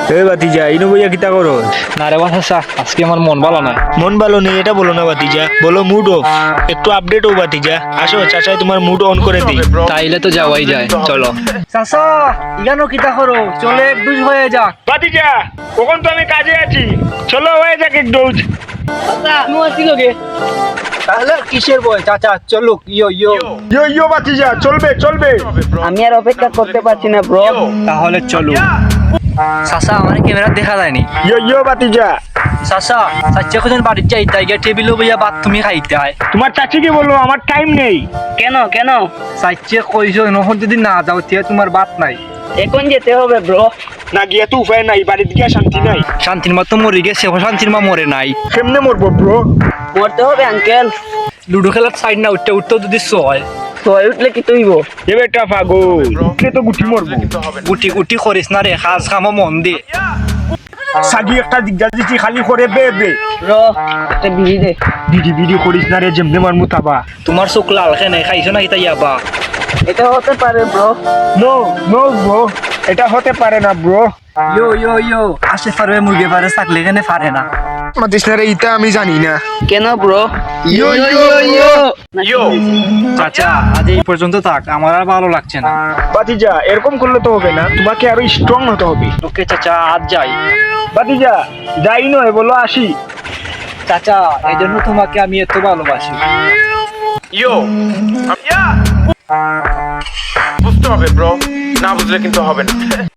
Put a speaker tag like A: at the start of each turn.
A: এই ভাতিজা ইনু বইয়া কিতা করো?
B: না রে বাসা, আজকে আমার মন ভালো না।
A: মন ভালো নেই এটা বলো না ভাতিজা, বলো মুড অফ। একটু আপডেট হও ভাতিজা, আসো চাচাই তোমার মুড অন করে দিই।
B: তাইলে তো যাওয়াই যায়, চলো।
C: চাচা ইগানো কিতা করো, চলে এক দুজ হয়ে যাক।
A: ভাতিজা কখন তো আমি কাজে আছি, চলো হয়ে যাক এক ডোজ।
C: তাহলে কিসের বই চাচা, চলুক। ইয়ো ইয়ো
A: ইয়ো ইয়ো ভাতিজা, চলবে চলবে।
C: আমি আর অপেক্ষা করতে পারছি না ব্রো।
B: তাহলে চলো। চাচা আমার ক্যামেরা দেখা যায়নি।
A: ইয়ো ইয়ো ভাতিজা।
C: চাচা চাচা কোজন বাড়ির যাই তাই গিয়ে টেবিলে বইয়া ভাত তুমি খাইতে হয়।
A: তোমার চাচিকে বলো আমার টাইম নেই।
C: কেন কেন? চাচা কইছো নহর যদি না যাও তে তোমার ভাত নাই। এখন যেতে হবে ব্রো।
A: না গিয়া তো উপায় নাই, বাড়িতে গিয়া শান্তি নাই।
B: শান্তির মা তো মরে গেছে, শান্তির মা মরে নাই।
A: কেমনে মরবো ব্রো?
C: মরতে হবে আঙ্কেল।
B: লুডো খেলার সাইড না উঠতে উঠতে যদি হয়
C: সয় উঠলে কি তুইব?
A: এ বেটা পাগল, উঠলে তো গুটি মরবো।
B: গুটি গুটি করিস না রে, কাজ কামো মন দে।
A: সাগি একটা দিগদার দিচ্ছি খালি করে বে বে।
C: ব্রো একটা বিড়ি দে।
A: বিড়ি বিড়ি করিস না রে, যেমনে মারমু তাবা।
B: তোমার চোখ লাল খেনে খাইছো না কিতা ইয়াবা?
C: এটা হতে পারে ব্রো।
A: নো নো ব্রো, এটা হতে পারে না ব্রো।
C: ইয়ো ইয়ো ইয়ো আসে পারবে মুরগি পারে চাকলে এখানে পারে না।
A: মাতিস না রে, ইটা আমি জানি না।
C: কেন ব্রো?
A: ইয়ো ইয়ো ইয়ো ইয়ো।
B: চাচা আজ এই পর্যন্ত থাক, আমার আর ভালো লাগছে না।
A: ভাতিজা এরকম করলে তো হবে না, তোমাকে আরো স্ট্রং হতে হবে।
B: ওকে চাচা আজ যাই।
A: ভাতিজা যাই নয় বলো আসি।
B: চাচা এই জন্য তোমাকে আমি এত ভালোবাসি।
D: বুঝতে হবে ব্রো, না বুঝলে কিন্তু হবে না।